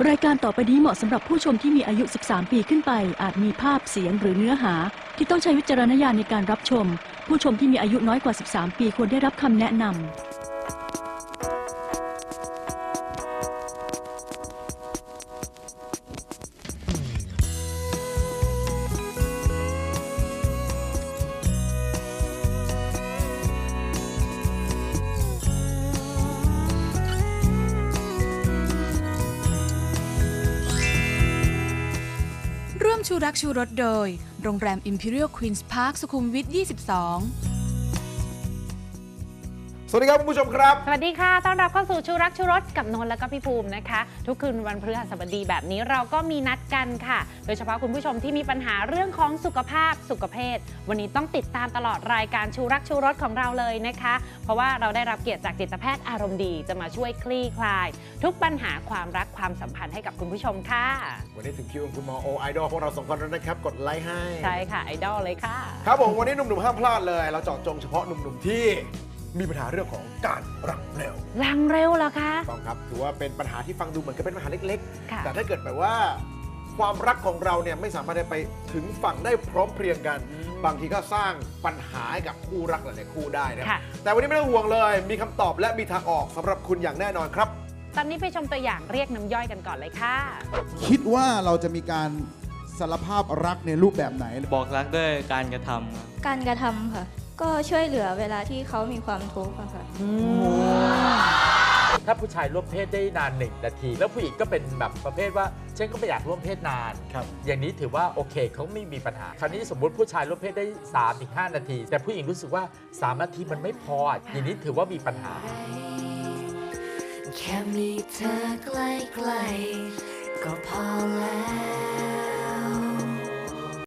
รายการต่อไปนี้เหมาะสำหรับผู้ชมที่มีอายุ 13 ปีขึ้นไปอาจมีภาพเสียงหรือเนื้อหาที่ต้องใช้วิจารณญาณในการรับชมผู้ชมที่มีอายุน้อยกว่า 13 ปีควรได้รับคำแนะนำร่วมชูรักชูรสโดยโรงแรม Imperial Queen's Park สุขุมวิท 22 สวัสดีครับคุณผู้ชมครับสวัสดีค่ะต้อนรับเข้าสู่ชูรักชูรสกับนนท์และก็พี่ภูมินะคะทุกคืนวันพฤหัสบดีแบบนี้เราก็มีนัดกันค่ะโดยเฉพาะคุณผู้ชมที่มีปัญหาเรื่องของสุขภาพสุขภาพวันนี้ต้องติดตามตลอดรายการชูรักชูรสของเราเลยนะคะเพราะว่าเราได้รับเกียรติจากจิตแพทย์อารมณ์ดีจะมาช่วยคลี่คลายทุกปัญหาความรักความสัมพันธ์ให้กับคุณผู้ชมค่ะวันนี้ถึงคิวของคุณหมอโอไอดอลพวกเราสองคนแล้วนะครับกดไลค์ให้ใช่ค่ะไอดอลเลยค่ะครับผมวันนี้หนุ่มๆห้ามพลาดเลยเราเจาะจงเฉพาะหนุ่มๆที่มีปัญหาเรื่องของการรักเร็วรังเร็วเหรอคะต้องครับถือว่าเป็นปัญหาที่ฟังดูเหมือนกับเป็นปัญหาเล็กๆแต่ถ้าเกิดแบบว่าความรักของเราเนี่ยไม่สามารถไปถึงฝั่งได้พร้อมเพรียงกันบางทีก็สร้างปัญหาให้กับคู่รักหลายๆคู่ได้นะแต่วันนี้ไม่ต้องห่วงเลยมีคำตอบและมีทางออกสำหรับคุณอย่างแน่นอนครับตอนนี้ไปชมตัวอย่างเรียกน้ำย่อยกันก่อนเลยค่ะคิดว่าเราจะมีการสารภาพรักในรูปแบบไหนบอกรักด้วยการกระทำครับการกระทำค่ะก็ช่วยเหลือเวลาที่เขามีความทุกข์ค่ะถ้าผู้ชายร่วมเพศได้นาน1 นาทีแล้วผู้หญิงก็เป็นแบบประเภทว่าฉันก็ไม่อยากร่วมเพศนานอย่างนี้ถือว่าโอเคเขาไม่มีปัญหาคราวนี้สมมติผู้ชายร่วมเพศได้ 3-5 นาทีแต่ผู้หญิงรู้สึกว่า3 นาทีมันไม่พออย่างนี้ถือว่ามีปัญหาแค่มีเธอใกล้ๆก็พอแ